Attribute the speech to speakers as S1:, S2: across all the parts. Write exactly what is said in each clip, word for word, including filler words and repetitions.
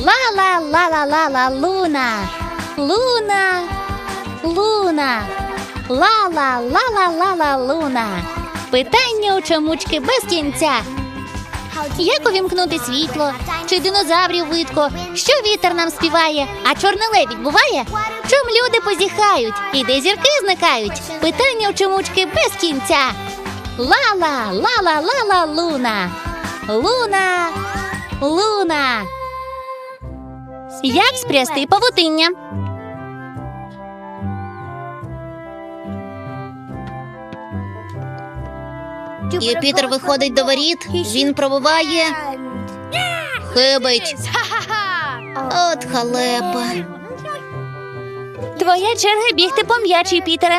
S1: Ла-ла-ла-ла-ла-ла, Луна. Луна. Луна. Ла-ла-ла-ла-ла-ла, Луна. Питання у чомучки без кінця. Як увімкнути світло? Чи динозаврів видко? Що вітер нам співає? А чорний лебідь буває? Чом люди позіхають? І де зірки зникають? Питання у чомучки без кінця. Ла-ла, ла-ла-ла-ла, Луна. Луна. Луна. Як спрясти павутиння? Юпітер виходить до воріт, він пробиває. Хибить. От халепа. Твоя черга бігти по м'яч, Юпітере.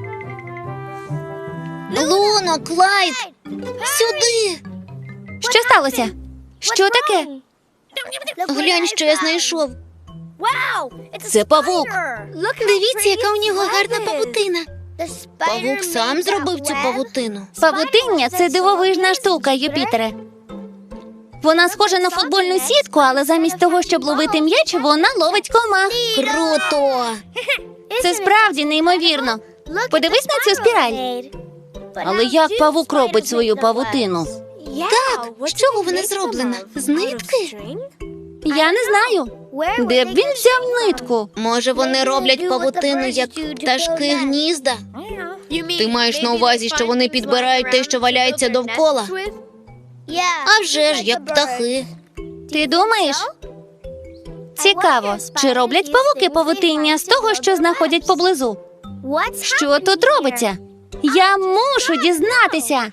S1: Луно, Клайд, сюди. Що сталося? Що таке? Глянь, що я знайшов. Це павук. Дивіться, яка у нього гарна павутина. Павук сам зробив цю павутину. Павутиння – це дивовижна штука, Юпітере. Вона схожа на футбольну сітку, але замість того, щоб ловити м'яч, вона ловить комах. Круто! Це справді неймовірно. Подивись на цю спіраль. Але як павук робить свою павутину? Так, з чого вона зроблена? З нитки? Я не знаю. Де б він взяв нитку? Може, вони роблять павутину, як пташки гнізда? Ти маєш на увазі, що вони підбирають те, що валяється довкола? А вже ж, як птахи. Ти думаєш? Цікаво, чи роблять павуки павутиння з того, що знаходять поблизу? Що тут робиться? Я мушу дізнатися.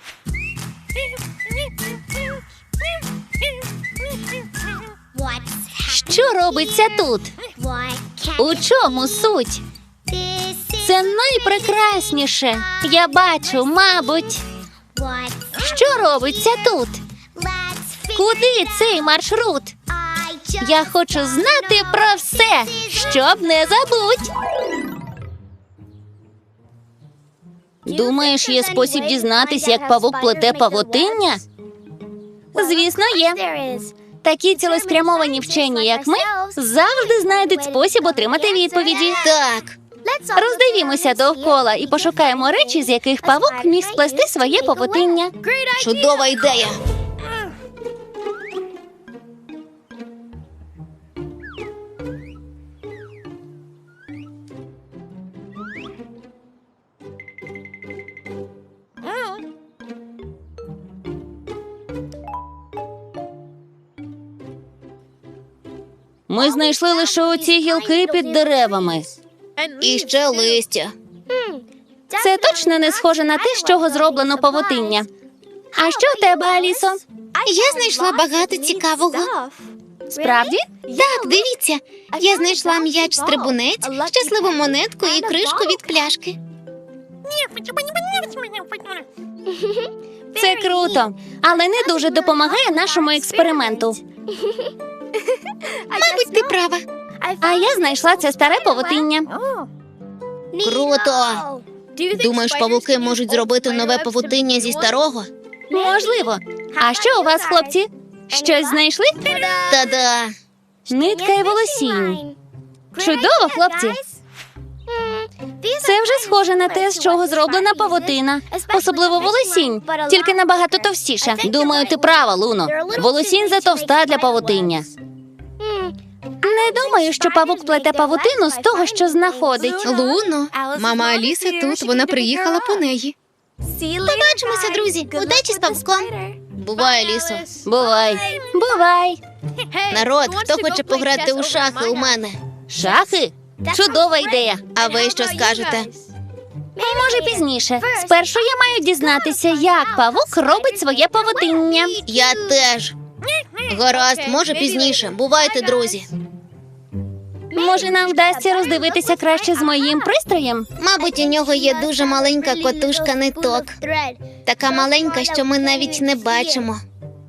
S1: Що робиться тут? У чому суть? Це найпрекрасніше. Я бачу, мабуть. Що робиться тут? Куди цей маршрут? Я хочу знати про все, щоб не забудь. Думаєш, є спосіб дізнатися, як павук плете павутиння? Звісно, є. Такі цілеспрямовані вчені, як ми, завжди знайдуть спосіб отримати відповіді. Так. Роздивімося довкола і пошукаємо речі, з яких павук міг сплести своє павутиння. Чудова ідея. Ми знайшли лише оці гілки під деревами. І ще листя. Це точно не схоже на те, з чого зроблено павутиння. А що у тебе, Алісо?
S2: Я знайшла багато цікавого.
S1: Справді?
S2: Так, дивіться. Я знайшла м'яч-стрибунець, щасливу монетку і кришку від пляшки.
S1: Це круто, але не дуже допомагає нашому експерименту.
S2: Мабуть, ти права.
S1: А я знайшла це старе павутиння.
S2: Круто. Думаєш, павуки можуть зробити нове павутиння зі старого?
S1: Можливо. А що у вас, хлопці? Щось знайшли?
S2: Та-да.
S1: Нитка і волосінь. Чудово, хлопці. Це вже схоже на те, з чого зроблена павутина. Особливо волосінь, тільки набагато товстіше. Думаю, ти права, Луно. Волосінь затовста для павутиння. Не думаю, що павук плете павутину з того, що знаходить.
S2: Луно, мама Аліса тут, вона приїхала по неї. Побачимося, друзі. Удачі з павуком.
S1: Бувай, Алісо. Бувай. Бувай.
S2: Народ, хто хоче пограти у шахи у мене?
S1: Шахи? Чудова ідея.
S2: А ви що скажете?
S1: Може, пізніше. Спершу я маю дізнатися, як павук робить своє павутиння.
S2: Я теж. Гаразд, може пізніше. Бувайте, друзі.
S1: Може, нам вдасться роздивитися краще з моїм пристроєм?
S2: Мабуть, у нього є дуже маленька котушка ниток. Така маленька, що ми навіть не бачимо.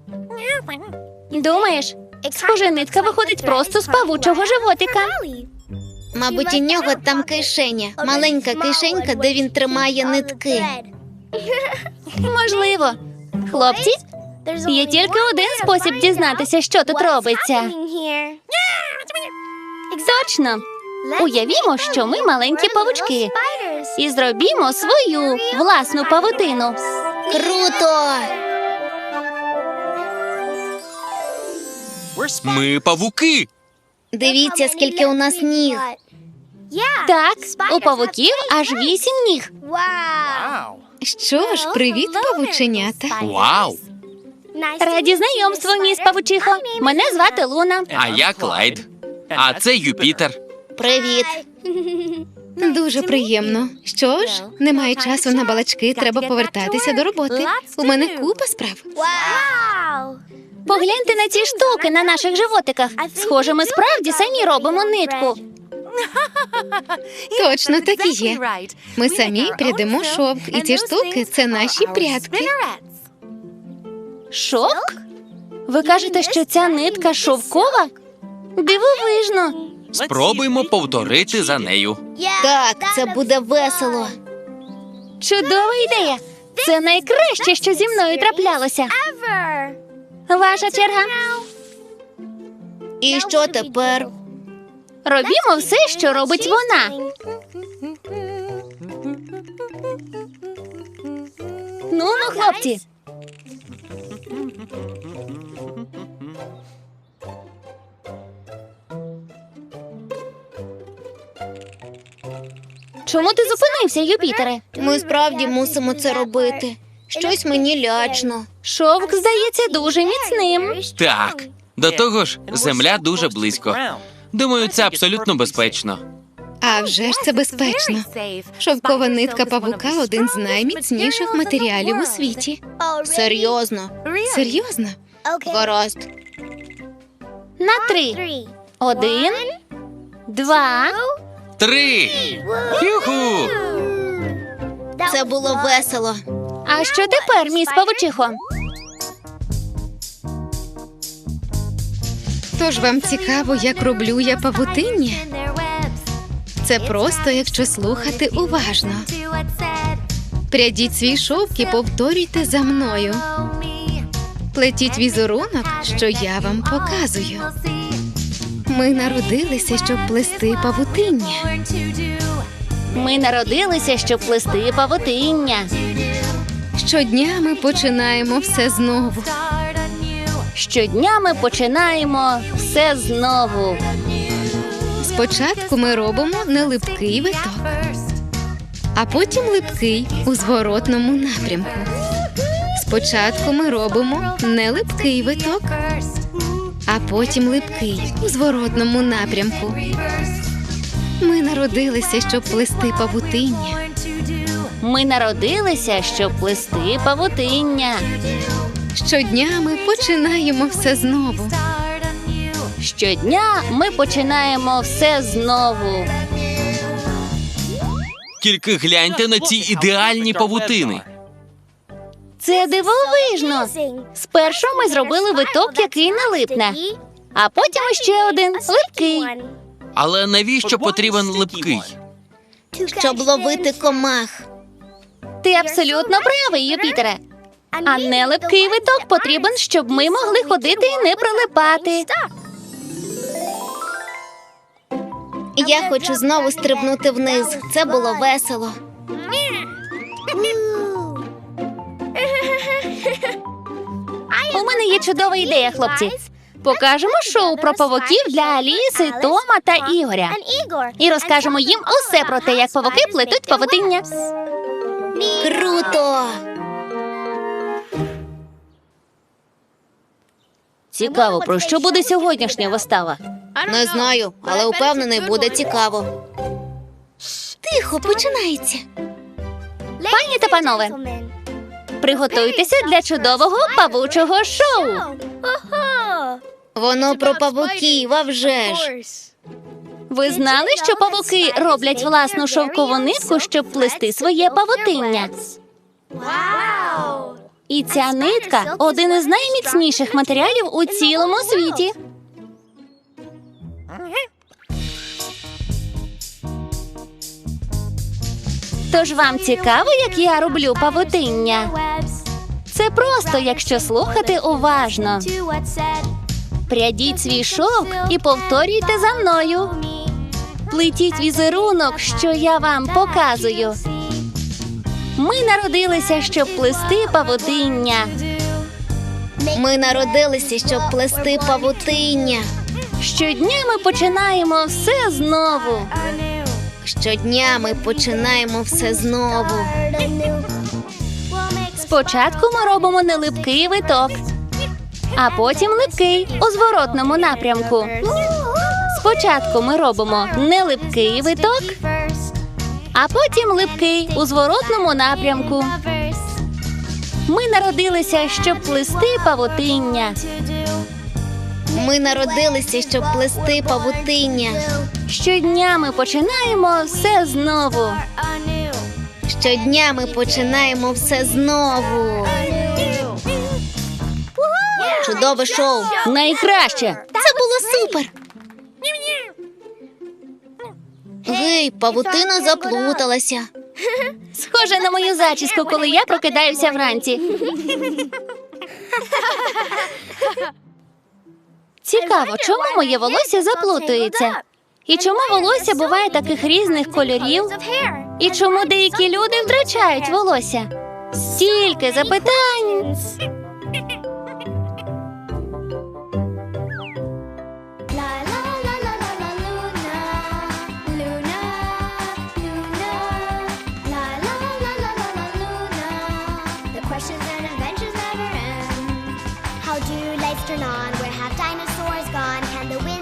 S1: Думаєш? Схоже, нитка виходить просто з павучого животика.
S2: Мабуть, у нього там кишеня. Маленька кишенька, де він тримає нитки.
S1: Можливо. Хлопці, є тільки один спосіб дізнатися, що тут робиться. Точно. Уявімо, що ми маленькі павучки. І зробімо свою власну павутину.
S2: Круто!
S3: Ми павуки.
S2: Дивіться, скільки у нас ніг.
S1: Так, у павуків аж вісім ніг.
S4: Що ж, привіт, павученята.
S3: Вау!
S1: Раді знайомству, міс Павучихо. Мене звати Луна.
S3: А я Клайд. А це Юпітер.
S2: Привіт.
S4: Дуже приємно. Що ж, немає часу на балачки, треба повертатися до роботи. У мене купа справ.
S1: Погляньте на ці штуки на наших животиках. Схоже, ми справді самі робимо нитку.
S4: Точно, так і є. Ми самі прядемо шовк, і ці штуки – це наші прядки.
S1: Шовк? Ви кажете, що ця нитка шовкова? Дивовижно.
S3: Спробуймо повторити за нею.
S2: Так, це буде весело.
S1: Чудова ідея. Це найкраще, що зі мною траплялося. Ваша черга.
S2: І що тепер?
S1: Робімо все, що робить вона. Ну, ну, хлопці. Чому ти зупинився, Юпітере?
S2: Ми справді мусимо це робити. Щось мені лячно.
S1: Шовк здається дуже міцним.
S3: Так. До того ж, земля дуже близько. Думаю, це абсолютно безпечно.
S4: А вже ж це безпечно. Шовкова нитка павука – один з найміцніших матеріалів у світі.
S2: Серйозно.
S4: Серйозно?
S2: Гаразд.
S1: На три. Один, два.
S3: Три! Юху!
S2: Це було весело.
S1: А що тепер, міс Павучихо?
S4: Тож вам цікаво, як роблю я павутиння? Це просто, якщо слухати уважно. Прядіть свій шовк і повторюйте за мною. Плетіть візерунок, що я вам показую. Ми народилися, щоб плести павутиння.
S1: Ми народилися, щоб плести павутиння.
S4: Щодня ми починаємо все знову.
S1: Щодня ми починаємо все знову.
S4: Спочатку ми робимо нелипкий виток, а потім липкий у зворотному напрямку. Спочатку ми робимо нелипкий виток, а потім липкий у зворотному напрямку. Ми народилися, щоб плести павутиння.
S1: Ми народилися, щоб плести павутиння.
S4: Щодня ми починаємо все знову.
S1: Щодня ми починаємо все знову.
S3: Тільки гляньте на ці ідеальні павутини.
S1: Це дивовижно. Спершу ми зробили виток, який не липне, а потім ще один липкий.
S3: Але навіщо потрібен липкий?
S2: Щоб ловити комах.
S1: Ти абсолютно правий, Юпітере. А не липкий виток потрібен, щоб ми могли ходити і не прилипати.
S2: Я хочу знову стрибнути вниз. Це було весело.
S1: У мене є чудова ідея, хлопці. Покажемо шоу про павуків для Аліси, Тома та Ігоря. І розкажемо їм усе про те, як павуки плетуть павутиння.
S2: Круто!
S1: Цікаво, про що буде сьогоднішня вистава?
S2: Не знаю, але упевнений, буде цікаво. Тихо, починається.
S1: Пані та панове, приготуйтеся для чудового павучого шоу.
S2: Воно про павуків, а вже ж.
S1: Ви знали, що павуки роблять власну шовкову нитку, щоб плести своє павутиння? І ця нитка – один із найміцніших матеріалів у цілому світі. Тож вам цікаво, як я роблю павутиння? Це просто, якщо слухати уважно. Прядіть свій шовк і повторюйте за мною. Плетіть візерунок, що я вам показую. Ми народилися, щоб плести павутиння.
S2: Ми народилися, щоб плести павутиння.
S1: Щодня ми починаємо все знову.
S2: Щодня ми починаємо все знову.
S1: Спочатку ми робимо нелипкий виток, а потім липкий у зворотному напрямку. Спочатку ми робимо нелипкий виток, а потім липкий у зворотному напрямку. Ми народилися, щоб плести павутиння.
S2: Ми народилися, щоб плести павутиння.
S1: Щодня ми починаємо все знову.
S2: Щодня ми починаємо все знову. Чудове шоу.
S1: Найкраще!
S2: Це було супер. Гей, павутина заплуталася.
S1: Схоже на мою зачіску, коли я прокидаюся вранці. Цікаво, чому моє волосся заплутується? І чому волосся буває таких різних кольорів? І чому деякі люди втрачають волосся? Стільки запитань.
S5: Questions and adventures never end. How do lights turn on? Where have dinosaurs gone? Can the wind